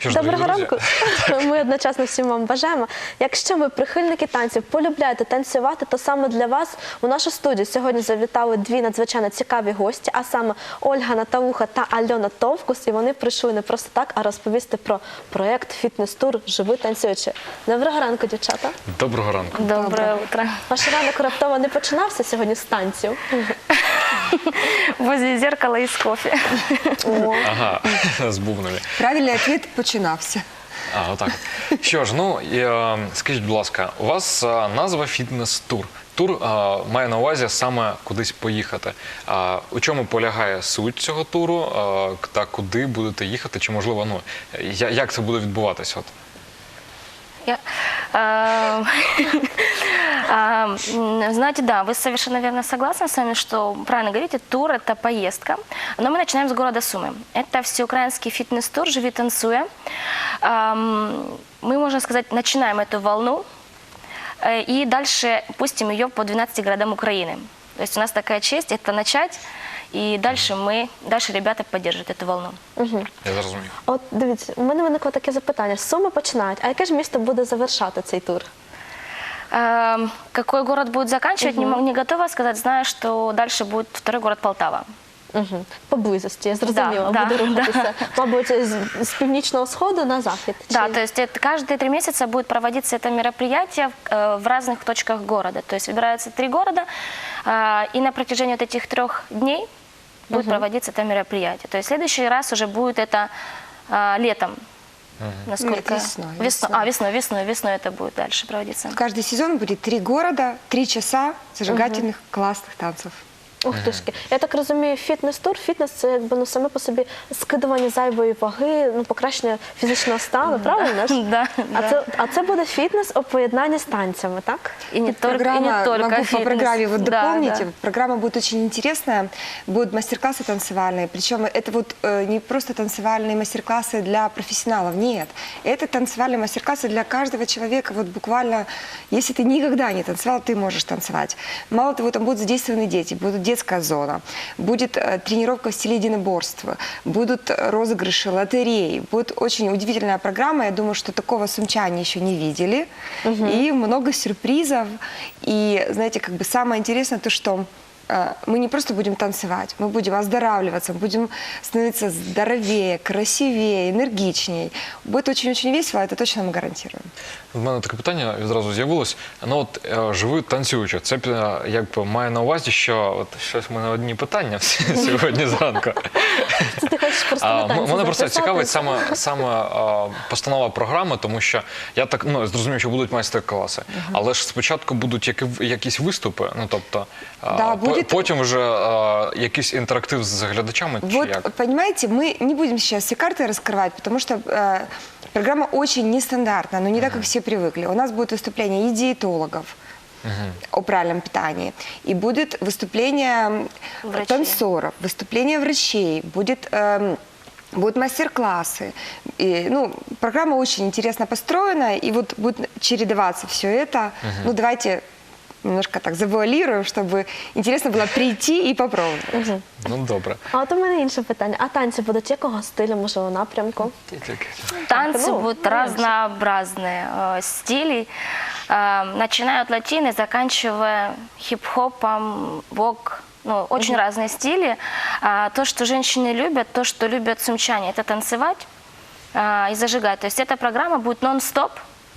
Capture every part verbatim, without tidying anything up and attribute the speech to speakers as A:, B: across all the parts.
A: Що ж,
B: Доброго
A: друзі.
B: ранку. Ми одночасно всім вам бажаємо. Якщо ви прихильники танців, полюбляєте танцювати, то саме для вас у нашу студію сьогодні завітали дві надзвичайно цікаві гості, а саме Ольга Натауха та Альона Товкус. І вони прийшли не просто так, а розповісти про проєкт «Фітнес-тур. Живи танцюючи». Доброго ранку, дівчата.
A: Доброго ранку.
C: Доброе утро.
B: Ваш ранок раптово не починався сьогодні з танців?
C: Возле зеркала и с кофе.
A: Ага, з бубнами.
D: Правильний відповідь починався.
A: А, отак. Що ж, ну, і, е, скажіть, будь ласка, у вас е, назва «Фітнес-тур». Тур е, має на увазі саме кудись поїхати. А у чому полягає суть цього туру е, та куди будете їхати? Чи, можливо, ну, я- як це буде відбуватися? От?
C: Я, а, а, м, знаете, да, вы совершенно верно согласны с вами, что, правильно говорите, тур – это поездка. Но мы начинаем с города Сумы. Это всеукраинский фитнес-тур «Живи танцуя». Ам, Мы, можно сказать, начинаем эту волну э, и дальше пустим ее по двенадцати городам Украины. То есть у нас такая честь – это начать, и дальше мы, дальше ребята поддержат эту волну.
A: Я зрозумів.
B: От дивіться, у мене виникло таке запитання. З Суми починають, а яке ж місто буде завершати цей тур?
C: Эм, Какой город будет заканчивать, не, мо- не готова сказать. Знаю, что дальше будет второй город Полтава.
B: Угу. Поблизості, я зрозуміла,
C: Да,
B: буде
C: да,
B: рухатися. Мабуть, з, з північного сходу на захід?
C: Да,
B: чи-
C: то есть это, каждые три месяца будет проводиться это мероприятие э, в разных точках города. То есть выбираются три города, э, и на протяжении вот этих трех дней будет проводиться это мероприятие. То есть в следующий раз уже будет это э, летом. Насколько?
D: Нет, весной,
C: Весно-
D: весной.
C: А, весной, весной, весной это будет дальше проводиться.
D: Каждый сезон будет три города, три часа зажигательных классных танцев.
B: Ух тушки. Я так розумію, фітнес-тур, фітнес – це якби ну, саме по собі скидування зайвої ваги, ну, покращення фізичного стану, правильно ж?
C: Да,
B: А,
C: да.
B: це, а це буде фітнес у поєднанні з танцями, так?
C: И не только, и
D: Программа,
C: не только
D: могу по
C: фитнес.
D: программе вот
C: Да,
D: дополнить,
C: да.
D: программа будет очень интересная, будут мастер-классы танцевальные, причем это вот э, не просто танцевальные мастер-классы для профессионалов, нет, это танцевальные мастер-классы для каждого человека, вот буквально, если ты никогда не танцевал, ты можешь танцевать. Мало того, там будут задействованы дети, будет детская зона, будет э, тренировка в стиле единоборства, будут розыгрыши, лотереи, будет очень удивительная программа, я думаю, что такого сумчане еще не видели, и много сюрпризов, и, знаете, как бы самое интересное то, что э, мы не просто будем танцевать, мы будем оздоравливаться, мы будем становиться здоровее, красивее, энергичнее. Будет очень-очень весело, это точно мы гарантируем.
A: У мене таке питання відразу з'явилось. Ну от е, живи танцюючи. Це е, якби має на увазі, що от щось в мене одні питання сьогодні зранку.
B: Це ти хочеш просто
A: А,
B: на
A: м-
B: танці
A: Мене просто
B: записатися?
A: цікавить саме, саме а, постанова програми, тому що я так ну, зрозумів, що будуть майстер-класи. Але ж спочатку будуть які, якісь виступи, ну тобто а,
D: Да,
A: по-
D: будет-
A: потім вже а, якийсь інтерактив з глядачами. Чи
D: Вот,
A: як?
D: понимаете, мы не будем сейчас все карты раскрывать, потому что э, программа очень нестандартная, но не так, как все привыкли. У нас будет выступление и диетологов о правильном питании, и будет выступление
C: Врачей.
D: танцоров, выступление врачей, будет... эм, Будут мастер-классы. И, ну, программа очень интересно построена, и вот будет чередоваться все это. Ну, давайте немножко так завуалируем, чтобы интересно было прийти и попробовать.
B: Мгм.
A: Ну добре.
B: А от у мене інше питання. А танці будуть якого стилю, можливо, напрямку?
C: Танцы
B: Ну,
C: будут
B: наверное.
C: разнообразные э, стилей, э, начиная от латины, заканчивая хип-хопом, вок. Ну, очень разные стили. А, то, что женщины любят, то, что любят сумчане, это танцевать а, и зажигать. То есть эта программа будет нон-стоп.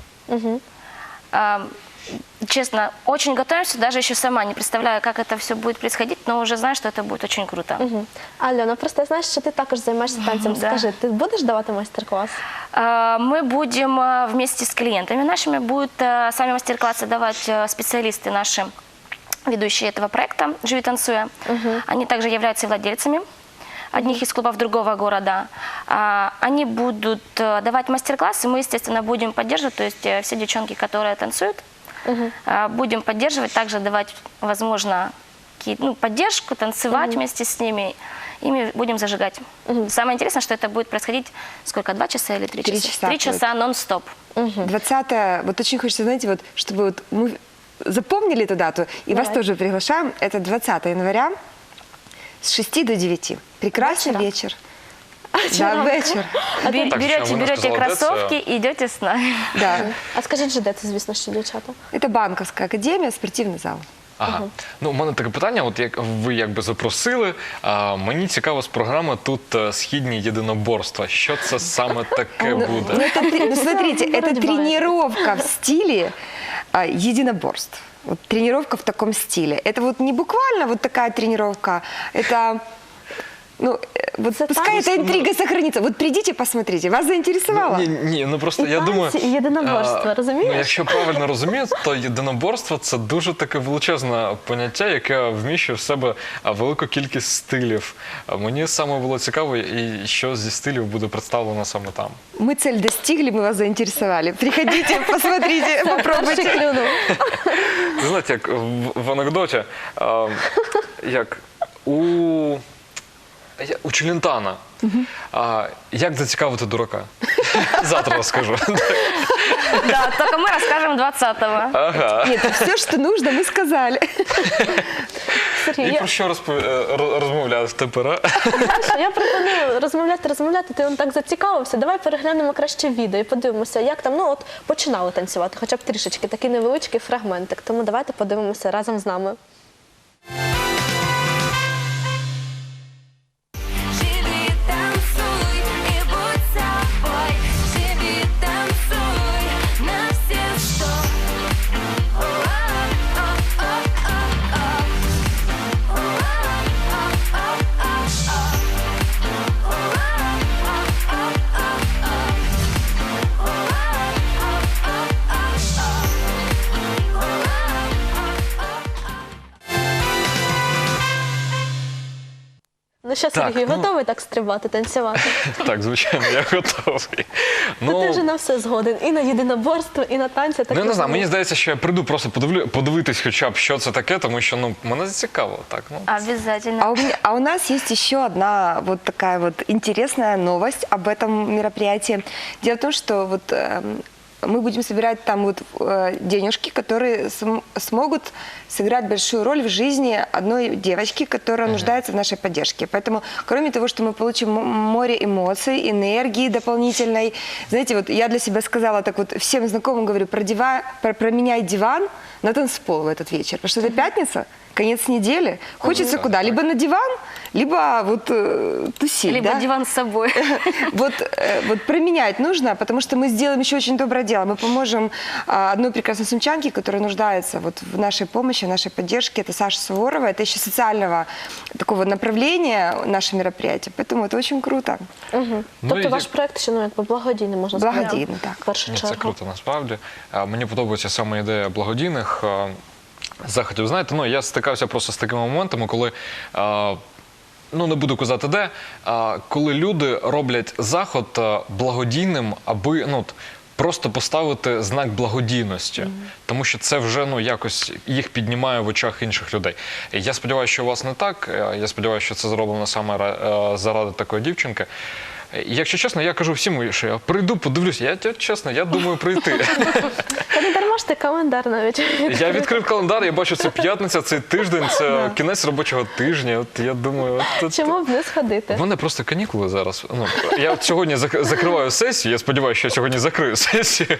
C: А, честно, очень готовимся, даже еще сама не представляю, как это все будет происходить, но уже знаю, что это будет очень круто.
B: Угу. Альона, просто я знаю, що ти також займаєшся танцем.
C: Да.
B: Скажи, ти будеш давати майстер-клас?
C: А, Мы будем а, вместе с клиентами нашими, будут а, сами мастер-классы давать а, специалисты наши, ведущие этого проекта «Живи танцуя». Они также являются владельцами одних из клубов другого города. А, Они будут а, давать мастер-классы, мы, естественно, будем поддерживать, то есть э, все девчонки, которые танцуют, а, будем поддерживать, также давать, возможно, какие- ну, поддержку, танцевать вместе с ними, и мы будем зажигать. Самое интересное, что это будет происходить сколько, два часа или три
D: Три
C: часа?
D: часа
C: Три
D: будет.
C: часа нон-стоп.
D: двадцатое, вот очень хочется, знаете, вот, чтобы вот мы запомнили эту дату, и вас
B: Давай.
D: тоже приглашаем. Это двадцатое января с шести до девяти. Прекрасный
B: Вечера?
D: вечер. Да, вечер.
C: Бер-
A: Так,
C: берете
A: что, вы
C: берете
A: сказали,
C: кроссовки и идете с нами.
D: Да.
B: А скажіть же, де це, звісно, що дівчата?
D: Это банковская академия, спортивный зал.
A: Ага. Ну, у мене таке питання, от як ви якби запросили, а, мені цікаво з програми тут е, «Східні єдиноборства». Що це саме таке
D: Ну,
A: буде?
D: ну, это три- ну, смотрите, это
B: Борьба.
D: тренировка в стиле а, единоборств. Вот тренировка в таком стиле. Это вот не буквально вот такая тренировка, это... Ну, э, вот
B: Это
D: пускай
B: танцы.
D: эта интрига сохранится. Вот придите, посмотрите. Вас заинтересовало?
A: Ні, ні, ну просто
B: І
A: я
B: танці,
A: думаю...
B: і єдиноборство,
A: а,
B: розумієш?
A: Ну, якщо правильно розумію, то єдиноборство – це дуже таке величезне поняття, яке вміщує в себе а, велику кількість стилів. А мені саме було цікаво, і що зі стилів буде представлено саме там.
D: Мы цель достигли, мы вас заинтересовали. Приходите, посмотрите,
B: Перший
D: попробуйте.
B: клюнув.
A: Ви знаєте, як в, в анекдоті, а, як у, я- у Челентана, а, як зацікавити дурака? Завтра розкажу.
C: Да, только мы расскажем двадцатого.
A: Ага.
D: Нет, все, что нужно, мы сказали.
B: Сергій,
A: І
B: я,
A: про що розпов- е, роз- розмовляти тепер? а?
B: Саша, я пропоную розмовляти, розмовляти. Ти он так зацікавився. Давай переглянемо краще відео і подивимося, як там, ну от починали танцювати, хоча б трішечки, такий невеличкий фрагментик. Тому давайте подивимося разом з нами.
E: Живи, танцуй и будь собой. Живи, танцуй на все сто.
B: Ну що,
A: Так,
B: Сергій,
A: ну-
B: готовий так стрибати, танцювати?
A: Так, звичайно, я готовий.
B: Ну, ти вже на все згоден. І на єдиноборство, і на танці. Так
A: Ну, я не знаю,
B: розумію.
A: мені здається, що я прийду просто подивлю, подивитись хоча б, що це таке, тому що ну, мене зацікавило. Так, ну.
C: Обязательно.
D: А у, меня- а у нас есть еще одна вот такая вот интересная новость об этом мероприятии. Дело в том, что вот эм, мы будем собирать там вот э, денежки, которые см- смогут сыграть большую роль в жизни одной девочки, которая нуждается в нашей поддержке. Поэтому, кроме того, что мы получим м- море эмоций, энергии дополнительной, знаете, вот я для себя сказала так вот всем знакомым говорю, продева- про- променяй диван на танцпол в этот вечер, потому что это пятница, конец недели, хочется куда? Либо на диван, либо вот э, тусить,
C: Либо
D: да?
C: диван с собой.
D: Вот, э, вот променять нужно, потому что мы сделаем еще очень доброе дело. Мы поможем а, одной прекрасной сумчанке, которая нуждается вот в нашей помощи, в нашей поддержке. Это Саша Суворова. Это еще социального такого направления наше мероприятие. Поэтому это очень круто.
B: Угу.
A: Ну,
B: Тобто
A: і-
B: ваш проект ще ну, якби благодійний, можна сказати.
D: Благодійний, так.
B: В першу
A: Ні, це
B: чергу.
A: круто насправді. А, Мені подобається саме ідея благодійних а, заходів. Знаєте, ну я стикався просто з такими моментами, коли. а, Ну, не буду казати де, а, коли люди роблять заход а, благодійним, аби ну, от, просто поставити знак благодійності. Тому що це вже ну, якось їх піднімає в очах інших людей. І я сподіваюся, що у вас не так. Е, Я сподіваюся, що це зроблено саме ра- е, заради такої дівчинки. І, якщо чесно, я кажу всім, що я прийду, подивлюся. Я я, чесно, я думаю прийти.
B: Та не дарма ж ти календар навіть.
A: Я відкрив календар, я бачу, це п'ятниця, цей тиждень, це кінець робочого тижня. От я думаю, от, от,
B: Чому б не сходити?
A: в мене просто канікули зараз. Ну, я от сьогодні зак- закриваю сесію, я сподіваюся, що я сьогодні закрию сесію.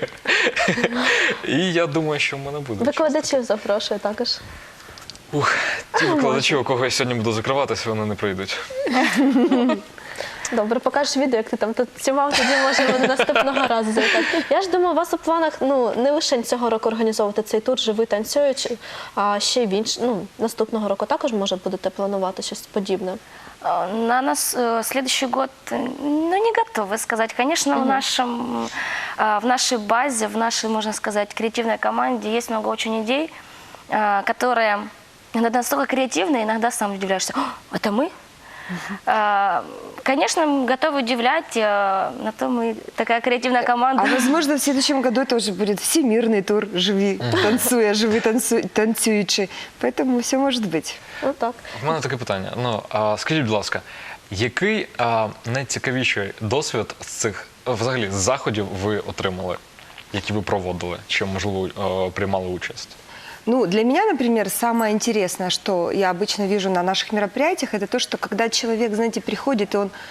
A: І я думаю, що в мене буде.
B: Викладачів запрошую також.
A: Ух, ті викладачі, у кого я сьогодні буду закриватися, вони не прийдуть.
B: Добре, покажеш відео, як ти там танцював, тоді можемо наступного разу завітати. Я ж думаю, у вас у планах ну не лише цього року організовувати цей тур «Живи, танцюючи», а ще й в інш... ну, наступного року також може будете планувати щось подібне.
C: Э, На нас э, следующий год, э, ну, не готовы сказать. Конечно, в, нашем, э, в нашей базе, в нашей, можно сказать, креативной команде есть много очень идей, э, которые иногда настолько креативные, иногда сам удивляешься, «О, это мы?» Э, Конечно, мы готовы удивлять, э, на то мы такая креативная команда.
D: А возможно, в следующем году тоже будет всемирный тур «Живи, танцуя, живи, танцуй, танцуючи». Поэтому все может быть.
B: Ну так.
A: В мене таке питання. Ну, а, скажіть, будь ласка, який а, найцікавіший досвід з цих взагалі з заходів ви отримали, які ви проводили, чи, можливо, а, приймали участь?
D: Ну, для меня, например, самое интересное, что я обычно вижу на наших мероприятиях, это то, что когда человек, знаете, приходит, и он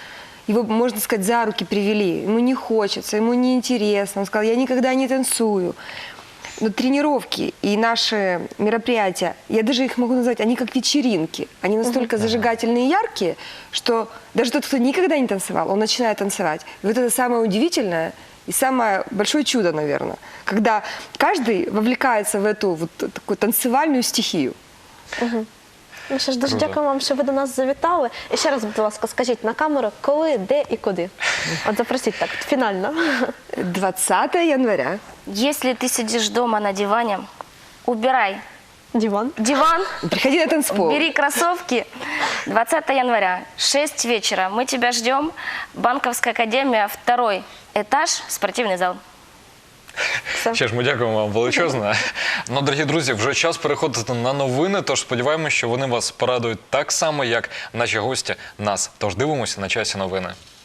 D: его, можно сказать, за руки привели. Ему не хочется, ему не интересно. Он сказал, я никогда не танцую. Но тренировки и наши мероприятия, я даже их могу назвать, они как вечеринки. Они настолько зажигательные и яркие, что даже тот, кто никогда не танцевал, он начинает танцевать. И вот это самое удивительное и самое большое чудо, наверное, когда каждый вовлекается в эту вот такую танцевальную стихию.
B: Ну що ж, дуже
A: Круто.
B: дякую вам, що ви до нас завітали. І ще раз, будь ласка, скажіть на камеру, коли, де і куди. От запросіть так, фінально.
D: двадцатого января.
C: Если ты сидишь дома на диване, убирай
B: Диван.
C: диван,
D: Приходи на танцпол.
C: бери кроссовки. двадцатого января, шесть вечера. Мы тебя ждем. Банковская академия, второй этаж, спортивный зал.
A: Ще ж ми дякуємо вам величезно. Ну, дорогі друзі, вже час переходити на новини, тож сподіваємося, що вони вас порадують так само, як наші гості нас. Тож дивимося на часі новини.